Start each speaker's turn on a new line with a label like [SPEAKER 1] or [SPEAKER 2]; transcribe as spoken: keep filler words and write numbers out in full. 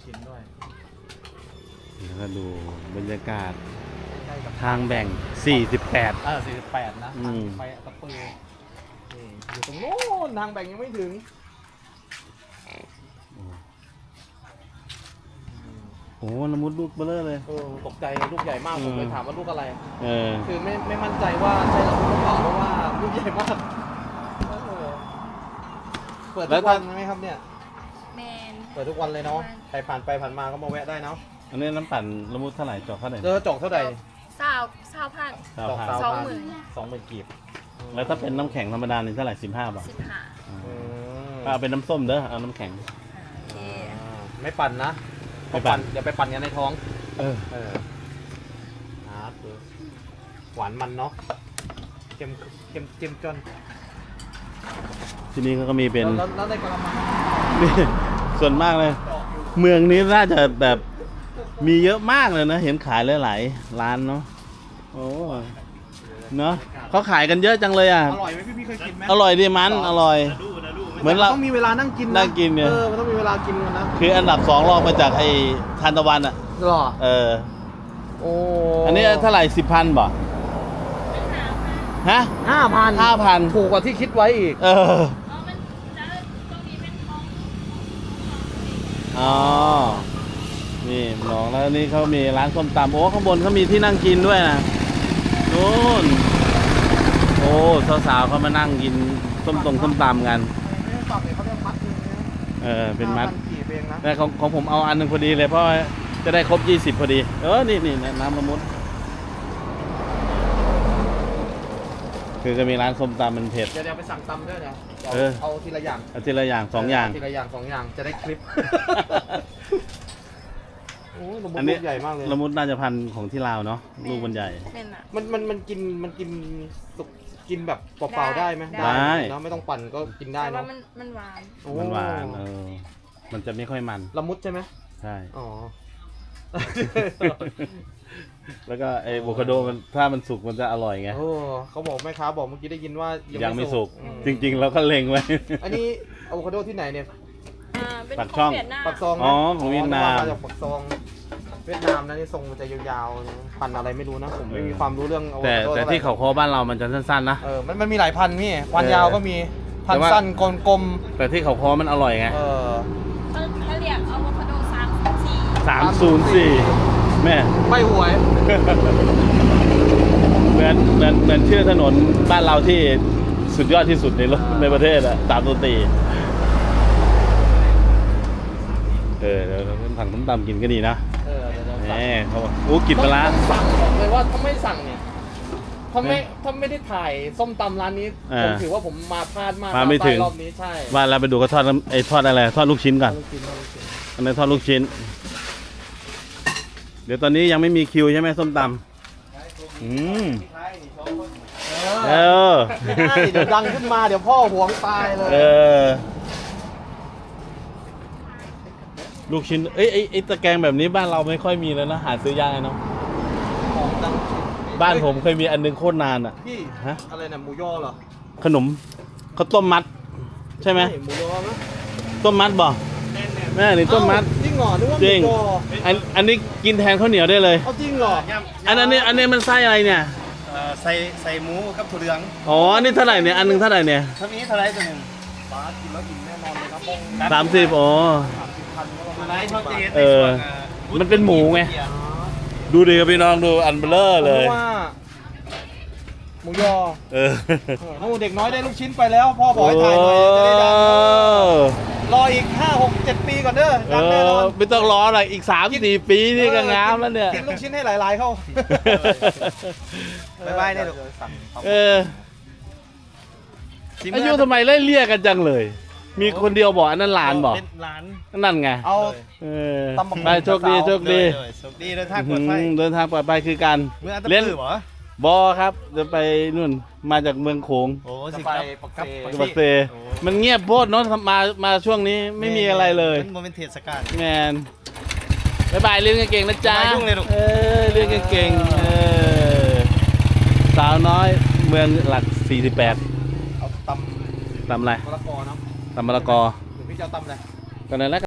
[SPEAKER 1] ชิ้นด้วย
[SPEAKER 2] แล้วก็ดูบรรยากาศทางแบ่งสี่สิบแปด
[SPEAKER 1] เออสี่สิบแปดนะไปตะปือนี่อยู่ตรงโน้นทางแบ่งยังไม่ถึง
[SPEAKER 2] โอ้ละมุดลูกเบลอเลย
[SPEAKER 1] เออตกใจลูกใหญ่มากผมเลยถามว่าลูกอะไร
[SPEAKER 2] เออ
[SPEAKER 1] คือไม่ไม่มั่นใจว่าใช่ละมุดหรือเปล่าเพราะว่าลูกใหญ่มากเปิดทุกวันไหมครับเนี่ย
[SPEAKER 3] แมน
[SPEAKER 1] เปิดทุกวันเลยเนาะใครผ่านไปผ่านมาก็มาแวะได้เนาะ
[SPEAKER 2] อันนี้น้ำปั่นละมุดเท่าไหร่จอกเท่าไหร่
[SPEAKER 1] เจอจอกเท่าไหร่
[SPEAKER 3] สาวสาวพัน
[SPEAKER 1] จอก
[SPEAKER 3] สองหมื่น
[SPEAKER 1] สองหมื่นกีบ
[SPEAKER 2] แล้วถ้าเป็นน้ำแข็งธรรมดานี่เท่าไหร่สิบห้าบาท
[SPEAKER 3] สิบห้า
[SPEAKER 2] เอาเป็นน้ำส้มเด้อเอาน้ำแข็ง
[SPEAKER 1] ไม่ปั่นนะไม่ปั่นเดี๋ยวไปปั่นกันในท้อง
[SPEAKER 2] เออ
[SPEAKER 1] เออครับหวานมันเนาะเค็มเค็มเค็มจน
[SPEAKER 2] ที่นี่เขาก็มีเป็น
[SPEAKER 1] แล้วได้กระมัง
[SPEAKER 2] นี่ส่วนมากเลยเมืองนี้น่าจะแบบมีเยอะมากเลยนะเห็นขายหลายๆร้านเนาะโอ้เนาะเขาขายกันเยอะจังเลยอ่ะ
[SPEAKER 1] อร่อยไหมพี่พี่เคยกินไหม
[SPEAKER 2] อร่อยดีมันอร่อย
[SPEAKER 1] เหมือนเราต้องมีเวลานั่งกิน
[SPEAKER 2] นั่งกินเนี่ย
[SPEAKER 1] เออมันต้องมีเวลากินกันนะ
[SPEAKER 2] คืออันดับสองรองมาจากไอ้ทานตะวันอ่ะ
[SPEAKER 1] หรอ
[SPEAKER 2] เออ
[SPEAKER 1] โอ้
[SPEAKER 2] อันนี้เท่าไหร่สิบพันบ่ฮะ
[SPEAKER 1] ห้าพัน
[SPEAKER 2] ห้าพัน
[SPEAKER 1] ถูกกว่าที่คิดไว้อีก
[SPEAKER 2] เอออ๋อนี่น้องแล้วนี่เขามีร้านส้มตำโอ้ข้างบนเขามีที่นั่งกินด้วยนะนู่นโอ้สาวๆเขามานั่งกินส้มตรงส้มตำกันเออเป็นมัดแต่ของของผมเอาอันนึงพอดีเลยเพราะจะได้ครบยี่สิบพอดีเออนี่นี่น้ำละมุดคือจะมีร้านส้มตำมันเผ็ด
[SPEAKER 1] เดี๋ยวไปสั่งตำด้วยนะเอาทีละอย่าง
[SPEAKER 2] เอาทีละอย่างสองอย่าง
[SPEAKER 1] ทีละอย่างสองอย่างจะได้คลิปโอ้ละมุดใหญ่มากเลย
[SPEAKER 2] ละมุดน่าจะพันของที่ลาวเนาะลูกมันใหญ่
[SPEAKER 1] มันมันมันกินมันกินสุกกินแบบเปล่าๆได้ไหม
[SPEAKER 2] ได้
[SPEAKER 1] เนาะไม่ต้องปั่นก็กินได้เนาะ
[SPEAKER 3] มันมันหวาน
[SPEAKER 2] มันหวานเออมันจะไม่ค่อยมัน
[SPEAKER 1] ละมุดใช่ไหม
[SPEAKER 2] ใช่
[SPEAKER 1] อ๋อ
[SPEAKER 2] แล้วก็ไอ้โวคาโดมันถ้ามันสุกมันจะอร่อยไง
[SPEAKER 1] โอ้เขาบอกแม่ค้าบอกเมื่อกี้ได้ยินว่า
[SPEAKER 2] ยังไม่สุกจริงๆเราก็เล็งไว้
[SPEAKER 1] อันนี้อะโวคาโดที่ไหนเนี่ย
[SPEAKER 2] ปักช่อง
[SPEAKER 1] ปักซอง
[SPEAKER 2] อ๋อของเวียดนาม
[SPEAKER 1] มาจากปักซองเวียดนามนะนี่ทรงมันจะยาวๆพันอะไรไม่รู้นะผมไม่มีความรู้เรื่อง
[SPEAKER 2] แต่แต่ที่เขาโคบ้านเรามันจะสั้นๆนะ
[SPEAKER 1] เออมันมันมีหลายพันพี่พันยาวก็มีพันสั้นกลม
[SPEAKER 2] ๆแต่ที่เขาโคมันอร่อยไง
[SPEAKER 1] เออ
[SPEAKER 3] เขาเรียกอะโวคาโดสามสี่
[SPEAKER 2] สามศูนย์สี่แม่
[SPEAKER 1] ไม่หวย
[SPEAKER 2] เหมือนเหมือนเหมือนชื่อถนนบ้านเราที่สุดยอดที่สุดในโลกในประเทศอะสามศูนย์สี่เออเดี๋ยวสั่งส้มตำกินก็ดีนะ
[SPEAKER 1] เออเดี๋ยว
[SPEAKER 2] แหมเขาบอกโอ้กินปลา
[SPEAKER 1] สั่งบอกเลยว่าถ้าไม่สั่งเนี่ยถ้าไม่ถ้าไม่ได้ถ่ายส้มตำร้านนี้ผมถือว่าผมมาพลาดมาก
[SPEAKER 2] มาไม่ถึง
[SPEAKER 1] รอบนี้ใช่
[SPEAKER 2] ว่าเราไปดูเขาทอดไอ้ทอดอะไรทอดลูกชิ้นก่อนอันนี้ทอดลูกชิ้นเดี๋ยวตอนนี้ยังไม่มีคิวใช่ไหมส้มตำอืม
[SPEAKER 1] เออไม่ได้เดี๋ยวดังขึ้นมาเดี๋ยวพ่อหวงตายเลย
[SPEAKER 2] เออลูกชิ้นเอ้ยไอ้ตะแกรงแบบนี้บ้านเราไม่ค่อยมีแล้วนะหาซื้อยากเนาะบ้านผมเคยมีอันนึงโคตรนานอ่ะ
[SPEAKER 1] พี่ฮะอะไรนะหมูยอเหรอ
[SPEAKER 2] ขนมข้าวต้มมัดใช่ไหม
[SPEAKER 1] หมูยอมั้ย
[SPEAKER 2] ต้มมัดบ่แม่นี่ต้มมัด
[SPEAKER 1] จริงเหรอนึกว่าหมูยอ
[SPEAKER 2] อันอันนี้กินแทนข้าวเหนียวได้เลย
[SPEAKER 1] เอาจริงเหรอ
[SPEAKER 2] อันอันนี้อันนี้มันไส้อะไรเนี่ย
[SPEAKER 1] ใส่ใส่หมูกับถั่วเหลือง
[SPEAKER 2] อ๋อนี่เท่าไหร่เนี่ยอันนึงเท่าไหร่เนี่ย
[SPEAKER 1] ถ้ามีเท่าไหร่ตัวนึงบาทกินแล้วกินแน่นอนเลยครับ
[SPEAKER 2] สามสิบอ๋อเออมันเป็นหมูไงดูดิครับพี่น้องดูอันเบลอเลย
[SPEAKER 1] หมูยอ
[SPEAKER 2] เออ
[SPEAKER 1] โอ้เด็กน้อยได้ลูกชิ้นไปแล้วพ่อบอกให้ถ่ายหน่อยจะได้ดังรออีกห้าหกเจ็ดปีก่อนเด้อดังแน่นอน
[SPEAKER 2] ไม่ต้องรอหรอกอีกสามสี่ปีนี่ก็งามแล้วเนี่ย
[SPEAKER 1] กินลูกชิ้นให้หลายๆเข้าบายบายได้ลูก
[SPEAKER 2] เอออายุทำไมไล่เลี่ยกันจังเลยมีคนเดียวบอกอันนั้นหลานบอกนั่นไง
[SPEAKER 1] เอา
[SPEAKER 2] ไปโชคดีโชคดี
[SPEAKER 1] โชคดีเดินทางปลอดภัย
[SPEAKER 2] เดินทางปลอดภัยคือการ
[SPEAKER 1] เล่น
[SPEAKER 2] บอครับจะไปนู่นมาจากเมืองโขง
[SPEAKER 1] โอ้สิไป
[SPEAKER 2] ปักเซมันเงียบโพดเนาะมามาช่วงนี้ไม่มีอะไรเลย
[SPEAKER 1] มันเป็นเทศกาล
[SPEAKER 2] แมนบายบายเรื่องเก่งนะจ๊ะเออเรื่องเก่งเออสาวน้อยเมืองหลักสี่สิบแปด
[SPEAKER 1] เอาตำ
[SPEAKER 2] ตำอะไร
[SPEAKER 1] มะละกอเนาะ
[SPEAKER 2] ตำมะละกอ
[SPEAKER 1] หรือพี่จะตำอะไร
[SPEAKER 2] ก็นั่นแหละ